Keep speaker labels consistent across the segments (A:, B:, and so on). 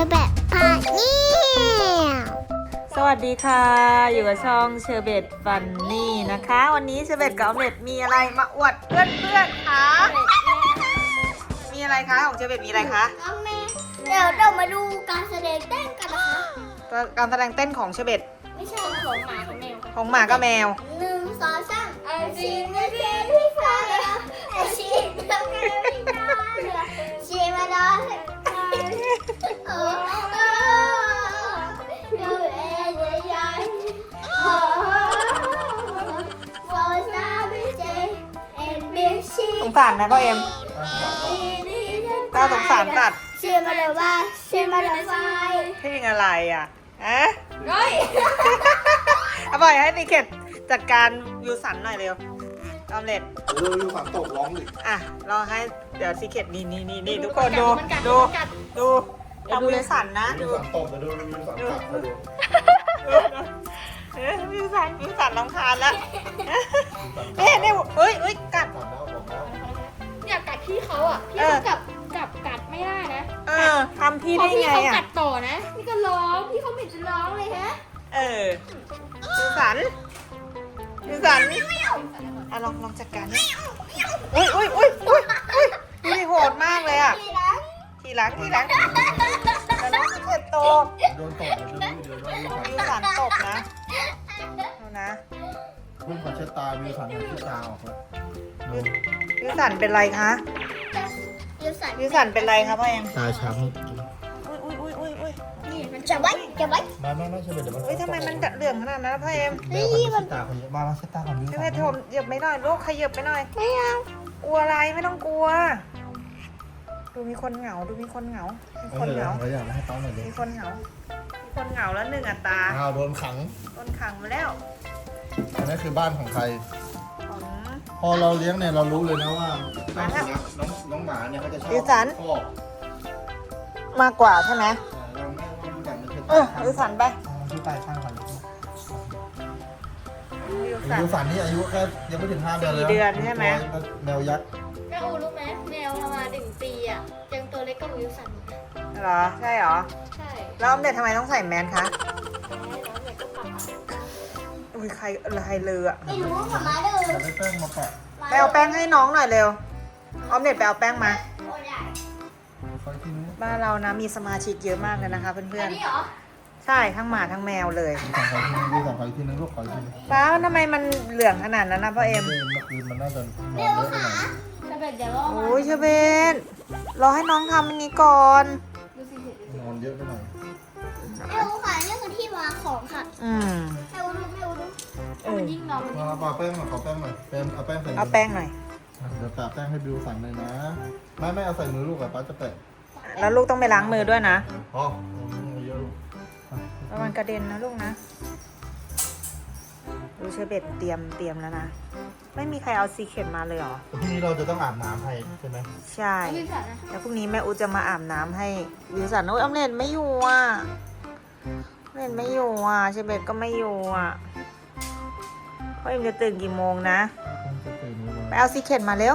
A: อแบบพาเนี่ย
B: สวัสดีค่ะ อยู่กับช่องเชอร์เบตฟันนี่นะคะ วันนี้เชอร์เบตกับออมเล็ตมีอะไรมาอวดเพื่อนๆคะมีอะไรคะของเชอร์เบตมีอะไรคะ
A: เดี๋ยวเรามาดูการแสดงเต้นกันนะคะ
B: การแสดงเต้นของเชอร์เบต
A: ไม่ใช่ของหมาของแมว
B: ของหมากับแมว
A: หนึ่งสองสามไอชีไม่เพียงพี่ฟ้าไอชีไม่เพียงพี่ฟ้าชีมาดอนโอ้ดูเอ็นยังโอ้โฟซ่าไม่เจเอ็นบีชี
B: สงสารนะพ่อเอ็มก็สงสารสัตว์
A: ชีมาเลยว่าชีมาเลยไฟ
B: เพลงอะไรอ่ะฮะ
A: ร้อย
B: เอาปล่อยให้นิเกตจัดการยูสันหน่อยเร็วออมเล็ต
C: ดูฝันตกร้องดิ
B: อ่ะรอให้เดี๋ยวซีเคทนี่ทุกคนดูทำยูสันนะ
C: ดู
B: ดู
C: ฝันตกเดี๋ยวดูฝันกลับมาดู
B: ยูสันรำคาญแล้วเนี่ยเฮ้ยกัด
C: ฝันแล้วบอกแล้ว
D: อยากกัดพี่เขาอ่ะ พี่เขาจับกัดไม่ได้นะ
B: ทำพี่
D: พอ
B: ได้
D: พี่
B: ไง
D: เขา
B: อ่ะ
D: กัดต่อนะพี่ก็ร้องพี่เขาไม่เห็นจะร้องเลยฮะ
B: ยูสันอ่ะลองจัดการนี่อุ้ยดูดิโหดมากเลยอ่ะทีหลังแต่น้องซีเคทตก
C: โดนตกเดี๋ยวดูฝัน
B: ยูสันตกนะดูนะ
C: เพิ่งขอเช็ดตาดูฝันเช็ดตาออกแล้วดู
B: ยูสันเป็นไรคะยูสันเป็นไรคะพ่อเอ็ม
C: ตาช้ำ
B: อุ้ย
D: นี่มัน
A: จะไว้
C: ไม่ใช่เดี๋ยวมัน
B: เฮ้ยทำไมมันเหลืองขนาดนั้นพ่อเอ็ม
C: แมวคนนี้เช็ดตาคนนี้มาเช็ดตาคนนี้
B: พี่เพชรผมเหยียบไม่หน่อยลูกขยับไปหน่อยไม่เอากลัวอะไรไม่ต้องกลัว ดูมีคนเหงามีคนเหงา
C: เราอยากให้ต้องหน่อยดิ
B: มีคนเหงาแล้วหนึ่งอัตรา
C: อ้าวโดนขัง
B: โดนขังมาแล้ว
C: อันนี้คือบ้านของใคร
B: ของ
C: พอเราเลี้ยงเนี่ยเรารู้เลยนะว่าน้องหมาเนี่ยเขาจะชอบพ่อ
B: มากกว่าใช่ไหม
C: เราไม่รู้จักมันเช็ด
B: ยูสันไป
C: ที่ตายข้างกัน
B: ยูสัน
C: ดูฝันนี่อายุแค่ยังไม่ถึง5 เดือนเลย
B: 4 เดือนใช่ไหม
C: แมวยักษ์
D: แม่อูรู้ไหมแมวประมาณ1 ปีอ่ะยังตัวเล็กกว่าวิวสันอีกนะ
B: เหรอใช่เหรอ
D: ใช่
B: แล้วออมเด็ดทำไมต้องใส่แมสคะ
D: น้องเด็กก็ปัก
B: อุ้ยใครเลยอะ
A: ไม่รู้หมาเด้อ
C: จะได้แป้งมาแปะ
B: ไปเอาแป้งให้น้องหน่อยเร็วออมเด็ดไปเอาแป้งมา
A: โอ้ย
C: คอยที่นู้น
B: บ้านเรานะมีสมาชิกเยอะมากเลยนะคะเพื่อ
D: อั
B: น
D: นนี้เหรอ
B: ๆใช่ทั้งหมาทั้งแมวเลย
C: ดูสั่งคอยที่นึงลูกคอยที่นึง
B: ฟ้าทำไมมันเหลืองขนาดนั้นนะพ่อเอ็ม
C: เมื่อคืนมันน่าจะนอนเยอะไปหน่อย
D: จะเป็นเดี๋ยวรอ
B: โอ้ยเชเบนรอให้น้องทำอันนี้ก่อน
D: ดูสิ
C: นอนเยอะไปหน่อย
A: แม่อูค่ะนี่คือที่วางของค่ะ
B: อืม
A: แม่อูดู
D: มันยิ่งนอนมัน
C: มาปาแป้งหน่อยขอแป้งหน่อยเป็นเอาแป้งใส่
B: เอาแป้งหน่อย
C: เดี๋ยวปาแป้งให้บิวสั่งเลยนะไม่เอาใส่มือลูกอะป้าจะแปะ
B: แล้วลูกต้องไปล้างมือด้วยนะ
C: อ๋อเยอะลูก
B: ระวังกระเด็นนะลูกนะดูเชเบตเตรียมแล้วนะไม่มีใครเอาซีเคทมาเลยเหรอ
C: พรุ่งนี้เราจะต้องอาบน้ำให้ใช่ไหม
B: ใช่
D: วิวสันนะ
B: แล้วพรุ่งนี้แม่อูจะมาอาบน้ำให้วิวสันโอ้ยออมเล็ตไม่อยู่อ่ะออมเล็ตไม่อยู่อ่ะเชเบตก็ไม่อยู่อ่ะพ่อเอ็มจะตื่นกี่โมงนะ
C: จะตื่นนี้
B: ไปเอาซีเคทมาเร็ว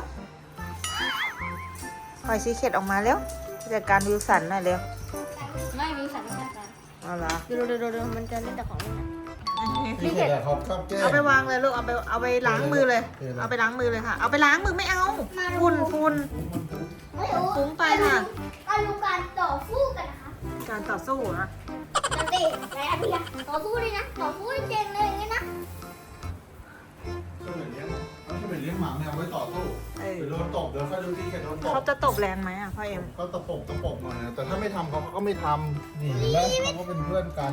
B: ปล่อยซีเคทออกมาเร็วจัดการวิวสันหน่อยเร็ว
D: ไม่วิวสันไม่จัดการ
B: เอาเหรอ
D: ดูมันจะเล่นแต่ของเล่นนะ
C: พี่เขตเขาชอบแก้
B: เอาไปวางเลยลูกเอาไปล้างมือเลย เอาไปล้างมือเลยค่ะ เอาไปล้างมือไม่เอาฝุ่น
A: แม่อู
B: ฟุ้งไปค่ะ
A: มาดูการต่อสู้กันนะคะ
B: การต่อสู้นะ
A: จันติไหนอะพี่อะต่อสู้เลยนะต่อสู้เก่งเลยอย่างงี้นะ
C: เขาเป็นเลี้ยงหมาแมวไว้ต่อสู้
B: เออ
C: เดี๋ยวโดนตบเดี๋ยวค่อยดูที่แกโดนตบ
B: เขาจะตบแรงไหมอ่ะพ่อเอ็ม
C: ก็ตะปบหน่อยนะแต่ถ้าไม่ทำเขาก็ไม่ทำนี่เห็นไหมเขาก็เป็นเพื่อนกัน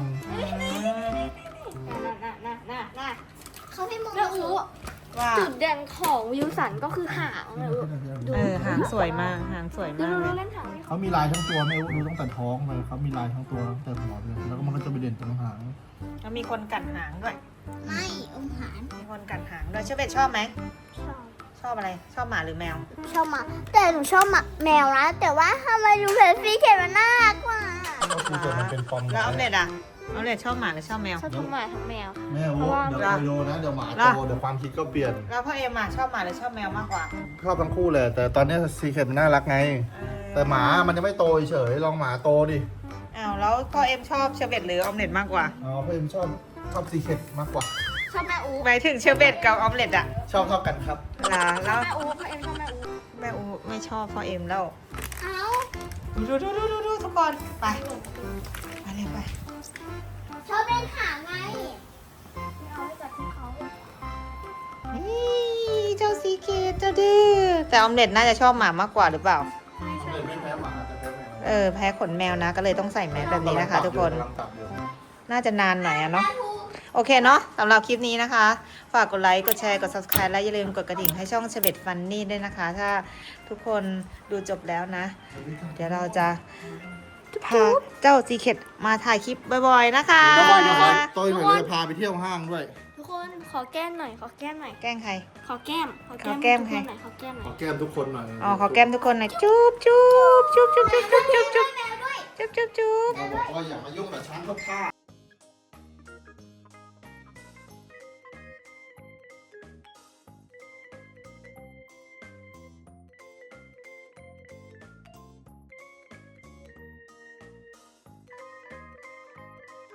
D: น่ะ
A: เขาให้มอง
D: แม่อู
B: ว่า
D: จุดเด่นของวิวสันก็คือหางแม่อู
B: หางสวยมากหางสวย
D: ดู
B: มากเล
D: ดู
B: ย
D: เล่นหางนี่
C: เขามีลายทั้งตัวไม่รู้ดูตั้งแต่ท้องเลยเขามีลายทั้งตัวตั้งแต่หัวเลยแล้วก็มันก็จะไปเด่นตรงหาง
B: แล้วมีคนกัดหางด้วย
A: ไม่อมหาน
B: มีคนกัดหางด้วยเชอเบตชอบไหมชอบอะไรชอบหมาหรือแมว
A: ชอบหมาแต่หนูชอบหมาแมวนะแต่ว่าทำไมดูเพจฟรีเขตมันน่ารักกว่า
C: ก็คือเกิดมันเป็นฟอร์ม
B: แล้วออมเล็ตอ่ะออมเล็ตชอบหมาหรือชอบแมว
D: ชอบทั้งหมาทั้งแมว
C: แม่โอ้เดี๋ยวคอยดูนะเดี๋ยวหมาโตเดี๋ยวความคิดก็เปลี่ยน
B: แล้วพ่อเอ็มอ่ะชอบหมาหรือชอบแมวมากกว่า
C: ชอบทั้งคู่เลยแต่ตอนนี้ซีเคทมันน่ารักไง แต่หมามันยังไม่โตเฉยลองหมาโตดิ
B: เอาแล้วพ่อเอ็มชอบเชอร์เบตหรือออมเล็ตมากกว่า
C: อ๋อเพื่อนชอบซีเคร็ตมากกว่า
D: ชอบแม่อู
B: หมายถึงเชอร์เบตกับออมเล็ตอะ
C: ชอบเท่ากันครับ
B: ล่ะแล้ว
D: แม่อูพ่อเอ็มชอบแม่อู
B: แม่อูไม่ชอบพ่อเอ็มแล้ว
D: เอ้า
B: ดูทุกคนไปไปเลยไป
A: ชอบเล่นหางไง
D: ไม่เอาให้จับที่เขา
B: นี่เจ้าซีเคทเจ้าดื้อแต่ออมเล็ตน่าจะชอบหมามากกว่าหรือเปล่า
C: เลยไม่แพ้หมาแต่แพ้แมว
B: แพ้ขนแมวนะก็เลยต้องใส่แมสแบบนี้นะคะ ทุกคน
C: กำลังตับอยู่
B: น่าจะนานหน่อยอะเนาะโอเคเนาะสำหรับคลิปนี้นะคะ ฝากกดไลค์กดแชร์กด subscribe และอย่าลืมกดกระดิ่งให้ช่องเชเบตฟันนี่ด้วยนะคะ ถ้าทุกคนดูจบแล้วนะ เดี๋ยวเราจะพาเจ้าซีเคทมาถ่ายคลิปบ่อยๆนะคะ
C: ตัวหน่อยเราจะพาไปเที่ยวห้างด้วย
D: ทุกคนขอแก้มหน่อยขอแก้มหน่อย
B: แกล้งใคร
D: ขอแก้ม
B: ขอแก้ม
D: ทุก
B: ใคร
D: คนหน่อยขอแก้มหน่
C: ข
D: อ
C: อย แก้มทุกคนหน่อย
B: อ๋อขอแก้มทุกคนหน่อยจุ๊บจุ๊บจุ๊บจุ๊บจุ๊บจุ๊บจุ๊บจุ๊บจุ๊บจุ๊บ
C: เราบอกว่าอย่ามายุ่งกับช้างเข้าท่า